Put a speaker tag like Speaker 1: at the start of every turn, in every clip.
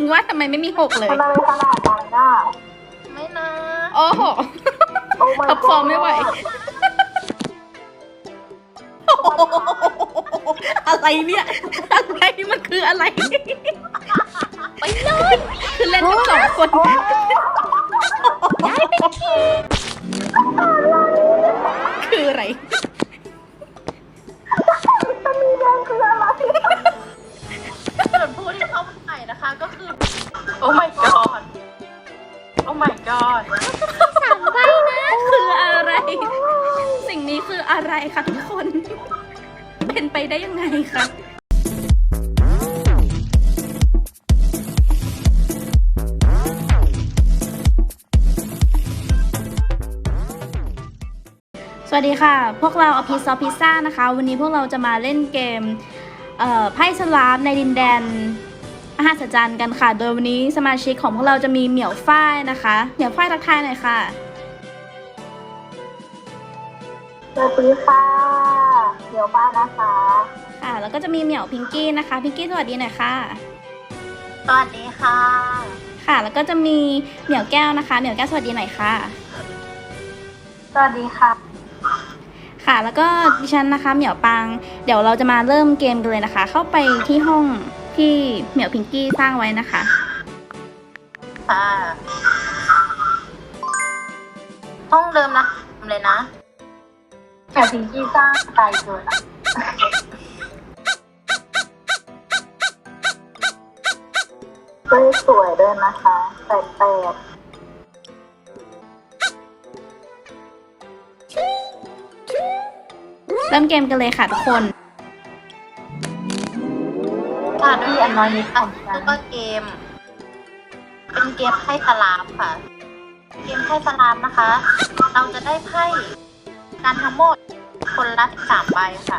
Speaker 1: ว่าทำไมไม่มีหกเลย
Speaker 2: ทำไมเป็นขนาดนั้นน่ะ
Speaker 3: ไม่นะ
Speaker 1: โอ้โห
Speaker 2: โอ้ my
Speaker 1: ท็อปฟอร์มไม่ไหว
Speaker 2: god
Speaker 1: อะไรเนี่ย อะไรมันคืออะไร ไปเลยคือเล่นทั้งสองคนคืออะไร
Speaker 2: ตะมีแดงคืออะไร
Speaker 3: ส่วนผู้ที่เข้าใหม่นะคะก็คือ โอ้ my god โอ้ my god
Speaker 1: 3 ใบนะ คืออะไร สิ่งนี้คืออะไรคะทุกคน เป็นไปได้ยังไงคะ สวัสดีค่ะ พวกเราอภิซอพิซซ่านะคะ วันนี้พวกเราจะมาเล่นเกมไพ่สลามในดินแดนมหัศจรรย์กันค่ะ โดยวันนี้สมาชิกของพวกเราจะมีเหมียวฝ้ายนะคะ เหมียวฝ้ายทักทายหน่อยค่ะ
Speaker 2: สวัสดีค่ะเดี๋ยวบ้านนะคะ
Speaker 1: ค่ะ แล้วก็จะมีเหมียวพิงกี้นะคะ พิงกี้สวัสดีหน่อยค่ะ
Speaker 3: สวัสดีค่ะ
Speaker 1: ค่ะ แล้วก็จะมีเหมียวแก้วนะคะ เหมียวแก้วสวัสดีหน่อยค่ะ
Speaker 2: สวัสดีค่ะ
Speaker 1: ค่ะ แล้วก็ดิฉันนะคะเหมียวปัง เดี๋ยวเราจะมาเริ่มเกมกันเลยนะคะ เข้าไปที่ห้องที่เหมียวพิงกี้สร้างไว้นะคะ
Speaker 3: ค่ะ ห้องเดิมนะเลยนะ
Speaker 2: แต่พิงกี้สร้างไกลเกินอะก็สวยด้วยนะคะแปด
Speaker 1: เริ่มเกมกันเลยค่ะทุกคน
Speaker 3: ค่ะด้วยอันน้อยนิดค่ะแล้วก็เกม เป็นเกมไพ่สลามค่ะ เกมไพ่สลามนะคะ เราจะได้ไพ่การทั้งหมดคนละ13 ใบค่ะ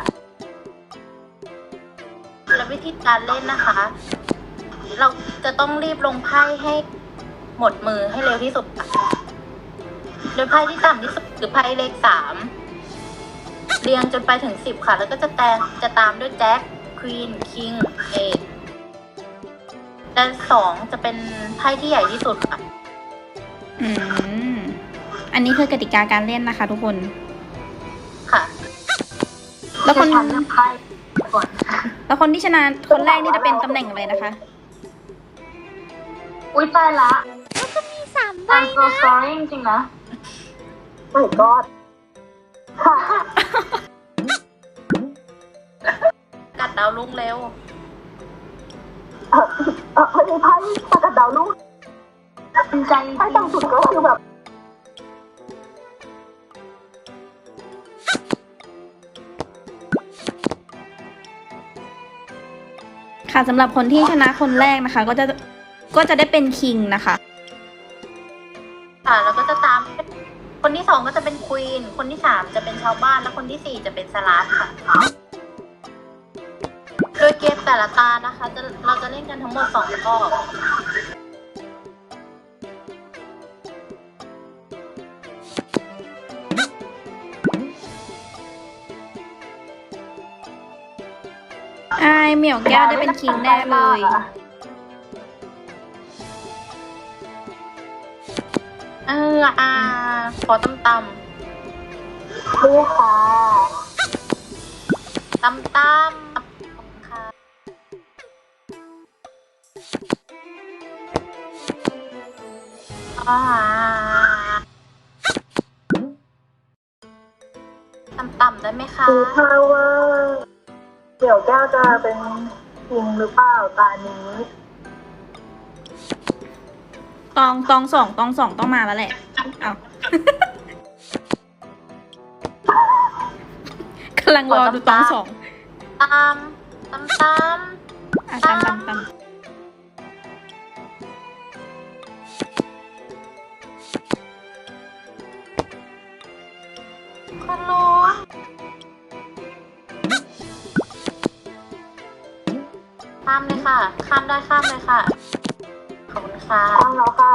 Speaker 3: และวิธีการเล่นนะคะ เราจะต้องรีบลงไพ่ให้หมดมือให้เร็วที่สุดค่ะโดยไพ่ที่ต่ำที่สุดคือไพ่เลข 3 เรียงจนไปถึง 10 ค่ะ แล้วก็จะตามด้วยแจ็ค ควีน คิง เอสและ2จะเป็นไพ่ที่ใหญ่ที่สุดค่ะ
Speaker 1: อืม อันนี้คือกติกาการเล่นนะคะทุกคน
Speaker 3: ค่ะ
Speaker 2: ๆ
Speaker 1: แล้วคน
Speaker 2: จะทำเรื่องไพ่ก่อน
Speaker 1: แล้วคนที่ชนะคนแรกนี่จะเป็นตำแหน่งอะไรนะคะ
Speaker 2: อุ้ยตายละ
Speaker 1: 3 ใบ
Speaker 2: I'm so sorry จริงๆนะ my god ค่ะ
Speaker 3: กัดดาวลุ่งเร็ว
Speaker 2: ไม่ได้ไพ่ตะกัดดาวลูกจริงใจไพ่ต่ำสุดก็คือแบบ
Speaker 1: ค่ะสำหรับคนที่ชนะคนแรกนะคะ ก็จะได้เป็นคิงนะคะ
Speaker 3: ค่ะ แล้วก็จะตาม คนที่ 2ก็จะเป็นควีน คนที่ 3จะเป็นชาวบ้าน และคนที่ 4จะเป็นสลาฟค่ะ โดยเกมแต่ละตานะคะ เราจะเล่นกันทั้งหมด2 รอบ
Speaker 1: อายเหมียวแก้วได้เป็นคิงแน่เลย
Speaker 3: ขอตำ
Speaker 2: นี่ค่ะ
Speaker 3: ค่ะต่ำได้ไหมคะ
Speaker 2: ดูท่าว่าเดี๋ยวแก้วจะเป็นจริงหรือเปล่าตานี้
Speaker 1: ตองสองต้องมาแล้วแหละ เอากำลังรอดูตอง 2
Speaker 3: ตาม
Speaker 1: อ่ะตาม
Speaker 3: คนรู้ข้ามเลยค่ะ ข้ามได้ข้ามเลยค่ะ ขอบคุณค่ะ
Speaker 2: ตั้งแล้วค่ะ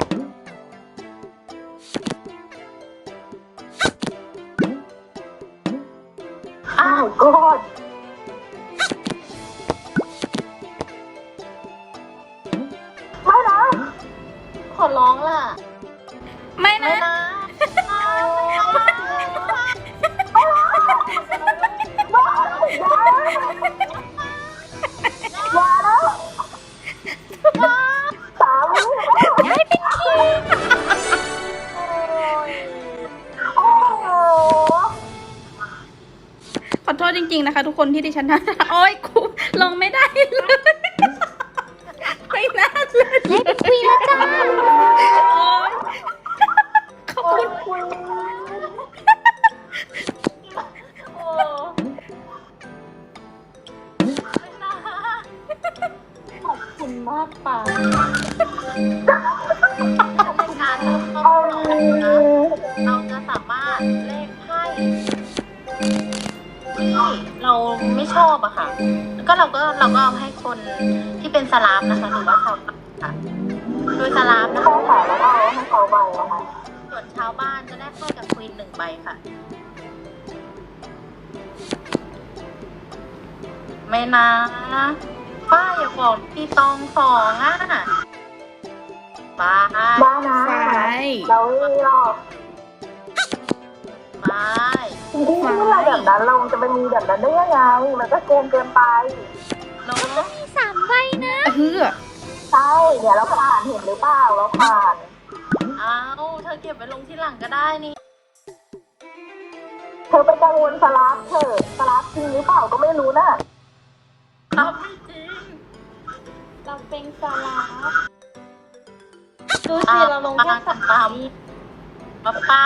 Speaker 2: อ้าวกอด
Speaker 3: ขอร้องล่ะ
Speaker 1: ไม่
Speaker 3: ไม่
Speaker 1: นะ
Speaker 3: นะ
Speaker 2: มาแล้วสามวิ
Speaker 1: ย้ายเป็นคิง
Speaker 2: โอ้โห
Speaker 1: ขอโทษจริงๆนะคะ ทุกคนที่ดิฉันทำโอ้ยครูลงไม่ได้เลยไม่น่าเลย
Speaker 4: ได้เป็นควีนแล้วจ้า
Speaker 1: โอ้ยขอบคุณ
Speaker 2: คุย
Speaker 3: โอ้ไม่นะ
Speaker 4: ขอบคุณมากป่า
Speaker 3: ในการเริ่มต้น
Speaker 2: เอา
Speaker 3: ของเราจะสามารถเล่นไพ่ที่เราไม่ชอบอะค่ะ แล้วก็เราก็เอาให้คนที่เป็นสลาฟนะคะหรือว่าชาวบ้านค่ะโดยสลาฟนะคะ
Speaker 2: ใช่ค่ะแล้วก็เอาให้เขาไปนะคะ
Speaker 3: ส่วนชาวบ้านจะได้ไพ่กับควีน1 ใบค่ะ ไม่นะป้าอย่าบอกพี่ตอง2อ่ะป้า
Speaker 2: ได้นะ
Speaker 1: ไฟ
Speaker 2: เราไม่หรอก
Speaker 3: ไม่
Speaker 2: จริงๆที่เราแบบนั้นเราจะไปมีแบบนั้นได้ยังไง มันก็เกินเกินไป
Speaker 3: เนาะ
Speaker 4: มี3 ใบนะ
Speaker 1: เฮือ
Speaker 2: ใช่เดี๋ยวเราผ่านเห็นหรือเปล่าเราผ่าน
Speaker 3: เอาเธอเก็บไว้ลงที่หลังก็ได้นี่
Speaker 2: เธอไปกังวลสลับเถอะสลับจริงหรือเปล่าก็ไม่รู้นะ
Speaker 3: ครับไม่จริง
Speaker 4: เราเป็นสลาฟดูสิเราลงแค่สัก
Speaker 3: ตามป้า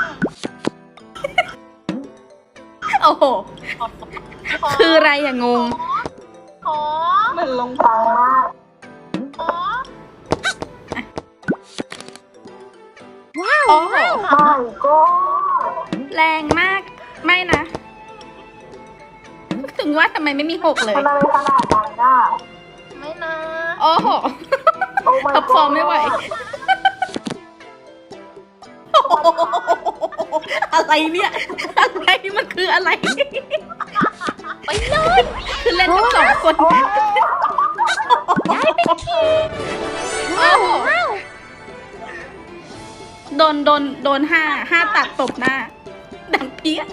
Speaker 1: โอ้โห
Speaker 3: ขอ
Speaker 1: คืออะไรอย่างงง
Speaker 3: ขอ
Speaker 4: เหมือนลง
Speaker 2: ฟังมาก
Speaker 3: ขอ
Speaker 4: ว้าว
Speaker 1: โอ้โห
Speaker 2: ไม่ก็
Speaker 1: แรงมาก ไม่นะ ถึงว่าทำไมไม่มี6เลย
Speaker 2: ทำอะไรขนาดนั้นน่ะ
Speaker 3: ไม่นะ
Speaker 1: โอ้โห
Speaker 2: โอ้ my
Speaker 1: ท็อปฟอร์มไม่ไหว อะไรเนี่ย อะไรมันคืออะไร ไปเลยคือเล่นกับ2 คนย้ายเป็นคิงโอ้โหโดน5ตัดตบหน้า ดังเพี้ย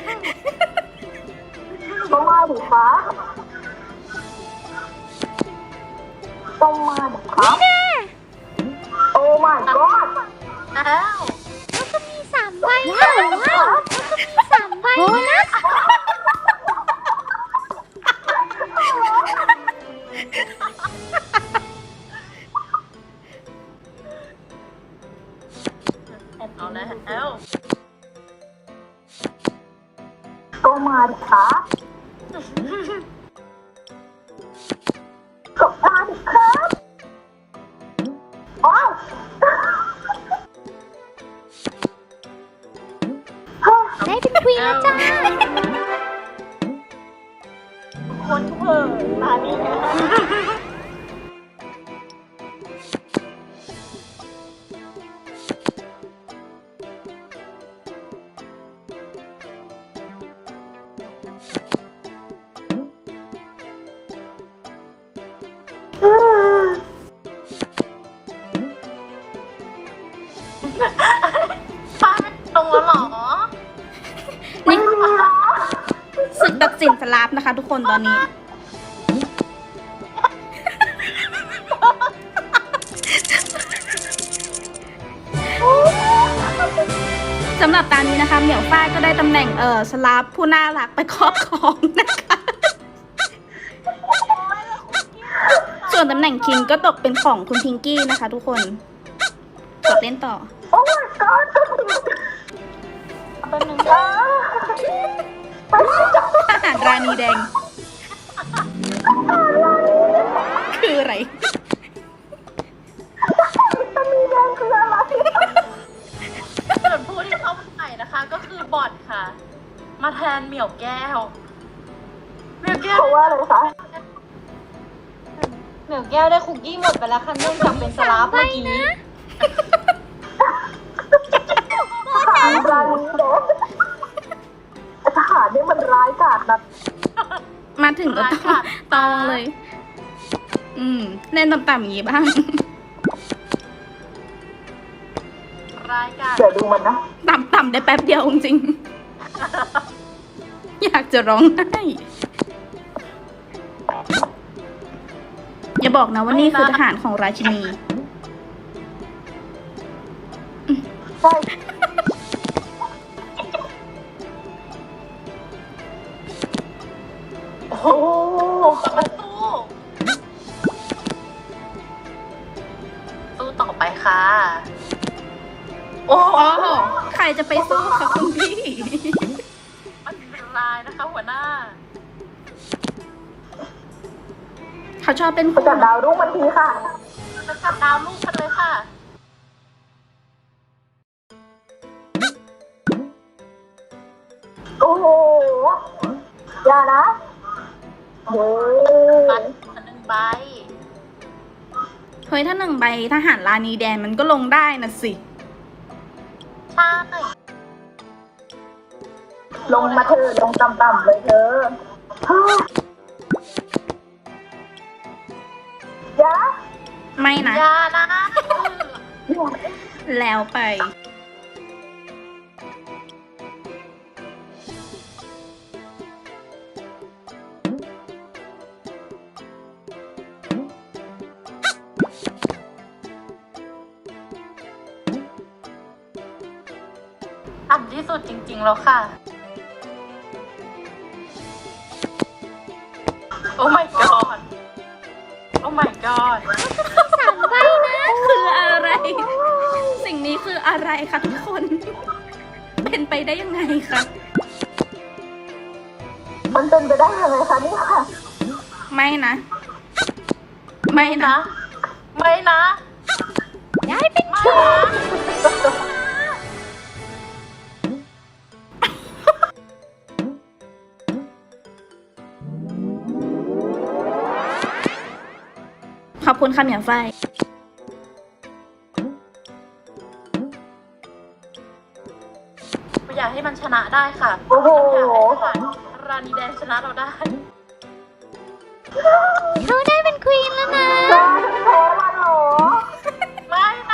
Speaker 2: ต้องมาดิคะต้องมาดิคะโอ้ my god
Speaker 3: แล้ว
Speaker 4: แล้วก็มี3 ใบว้าวแล้วก็มี3 ใบนะ
Speaker 3: เอาแล้ว
Speaker 2: ต้องมาดิคะก็มาดิครับอ้าว
Speaker 4: ได้เป็นควีนแล้วจ้า
Speaker 3: คนเพิ่งมานี่นะ ป้าไม่ตรงแล้วเหรอ
Speaker 1: นี่ศึกตัดสินสลาฟนะคะทุกคนตอนนี้ สำหรับตอนนี้นะคะ เหมียวฝ้ายก็ได้ตำแหน่งสลาฟผู้น่ารักไปครอบครองนะคะ ส่วนตำแหน่งคิงก็ตกเป็นของคุณพิงกี้นะคะทุกคน กดเล่นต่อ
Speaker 2: โอ้ my god
Speaker 4: เป็นหนึ่ง
Speaker 1: ทหารราณีแดง คืออะไร
Speaker 2: จะมีแดงคืออะไร
Speaker 3: ส่วนผู้ที่เข้ามาใหม่นะคะ ก็คือบอทค่ะ มาแทนเหมี่ยวแก้ว เหมี่ยวแก้ว
Speaker 2: เพราะว่าอะไรคะ
Speaker 4: เหมียวแก้วได้คุกกี้หมดไปแล้วค่ะเนื่องจากเป็นสลาฟเมื่อกี้
Speaker 2: ทหารรานีเด็กทหารนี่มันร้ายกาจนะ
Speaker 1: มาถึงก็ต้องเลย เล่นต่ำๆอย่างนี้บ้าง
Speaker 3: รายการ
Speaker 2: เดี๋ยวดูมันนะ
Speaker 1: ต่ำได้แป๊บเดียวจริงๆ อยากจะร้องไห้อย่าบอกนะว่านี่คือทหารของราชินี
Speaker 2: ใช่ โอ้โห
Speaker 3: มาสู้ต่อไปค่ะ โอ้โห
Speaker 1: โอ้โหใครจะไปสู้คะคุณพี่
Speaker 3: มันเป็นลายนะคะ หัวหน้า
Speaker 1: เขาชอบเป็น
Speaker 2: ไป
Speaker 1: คู่
Speaker 2: จับดาวรุ่งมันทีค่ะ
Speaker 3: จะจับดาวลูกกันเลยค่ะ
Speaker 2: โอ้โห อย่านะเฮ้ย
Speaker 3: บัตรอันหนึ่งใบ
Speaker 1: เฮ้ยถ้า1 ใบทหารลานีแดนมันก็ลงได้นะสิ
Speaker 3: ใช่
Speaker 2: ลงมาเธอะลงต่ำๆเลยเธอเฮ้ยอย่า
Speaker 1: ไม่นะ
Speaker 3: อย่านะ
Speaker 1: แล้วไป
Speaker 3: ต่ำที่สุดจริงๆแล้วค่ะ โอ้ my god โอ้ my god
Speaker 1: 3 ใบนะ คืออะไร สิ่งนี้คืออะไรคะทุกคน เป็นไปได้ยังไงคะ
Speaker 2: มันเป็นไปได้ยังไงคะเนี่ยค่ะ
Speaker 1: ไม่นะ ไม่นะ
Speaker 3: นะ ไม่นะ
Speaker 1: ย้ายเป็น
Speaker 3: ไม่นะ
Speaker 1: ขอบคุณค่ะเหมียวไฟ
Speaker 3: อยากให้มันชนะได้ค่ะ
Speaker 2: โอ้โห
Speaker 3: อยากให้ทหารรานีแดงชนะเราได้
Speaker 1: เขาได้เป็นควีนแล้วนะ
Speaker 2: จ้าฉันแพ้มันเหรอ
Speaker 3: ไม่นะ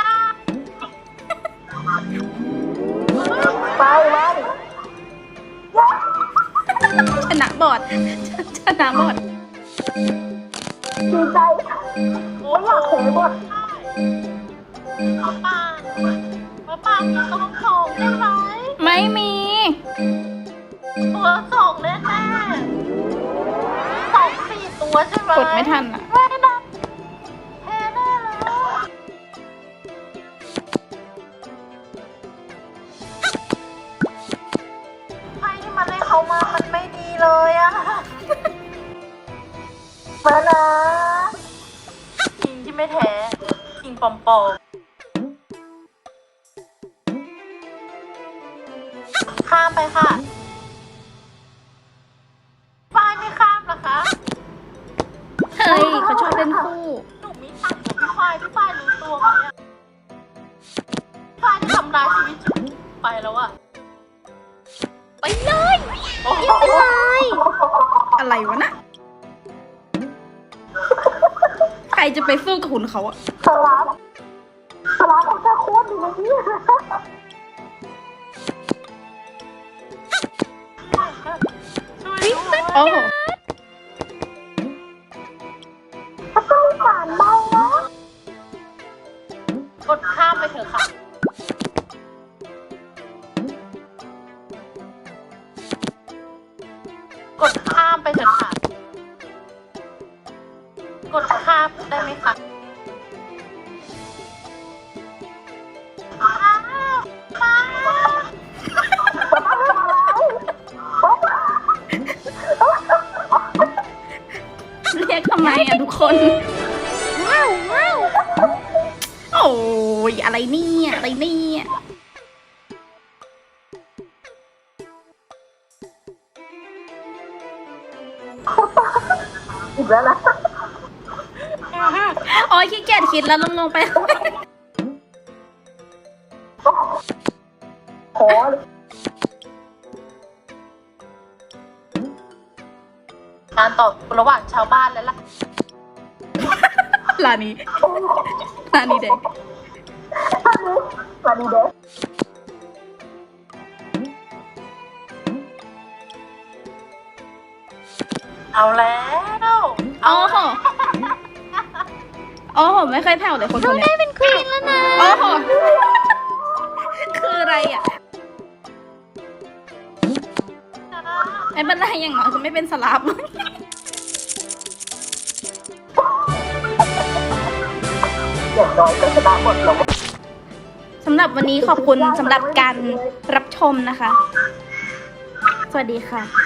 Speaker 2: ไปไป
Speaker 1: ชนะบอด ชนะบอด
Speaker 2: ดีใจ
Speaker 3: โอ้
Speaker 2: ไม่อยากแพ้บท
Speaker 3: ป้าป้ามีต้องส่งได้ไหม
Speaker 1: ไม่มี
Speaker 3: ตัวส่งแน่ๆ2-4 ตัวใช่ไหม
Speaker 1: กดไม่ทันอ่ะ
Speaker 3: ไม่นะแพ้แน่เลยไพ่ที่มันให้เขามามันไม่ดีเลยอะ
Speaker 2: มานะ
Speaker 3: คิงที่ไม่แท้คิงปลอมๆข้ามไปค่ะฝ้ายไม่ข้ามนะคะ
Speaker 1: เฮ้ย เขาชอบเล่นคู่
Speaker 3: หนูมีตังค์กับพี่ฝ้ายรู้ตัวไหมอะฝ้ายจะทำร้ายชีวิตฉันไปแล้วอะ
Speaker 1: ไปเลย
Speaker 3: โอ้โห
Speaker 1: อะไรวะน่ะ ใครจะไปสู้กับคุณเขาอะ
Speaker 2: สลับเขาจะโคตรดีเลยเนี่ย
Speaker 3: ช่วยด้วย
Speaker 1: โอ้โห
Speaker 2: มันต้องมีการเบานะ
Speaker 3: กดข้ามไปเถอะค่ะ กดข้ามไปเถอะค่ะ กดข้ามได้ไหมคะอ้าวมา
Speaker 1: เรียกทำไมอะทุกคน ว้าวว้าวโอ้ยอะไรเนี่ยอะไรเนี่ย
Speaker 2: อีกแล้วนะ
Speaker 1: โอ้ยขี้เกียจคิดแล้วลงไป
Speaker 2: ขอเลย
Speaker 3: การต่อระหว่างชาวบ้านและล่ะ
Speaker 1: ลานี้ลานี้แดง
Speaker 2: อันนี้มาดีเดส
Speaker 3: เอาแล้ว
Speaker 1: โอ้โหโอ้โหไม่เคยแผ่วเลยคนคนนี้เป็นควีนแล้วนะโอ้โหคืออะไรอ่ะไม่เป็นไรอย่างน้อยก็ไม่เป็นสลับ
Speaker 2: อย่างน้อยก็ชนะหมดแล้ว
Speaker 1: สำหรับวันนี้ขอบคุณสำหรับการรับชมนะคะ สวัสดีค่ะ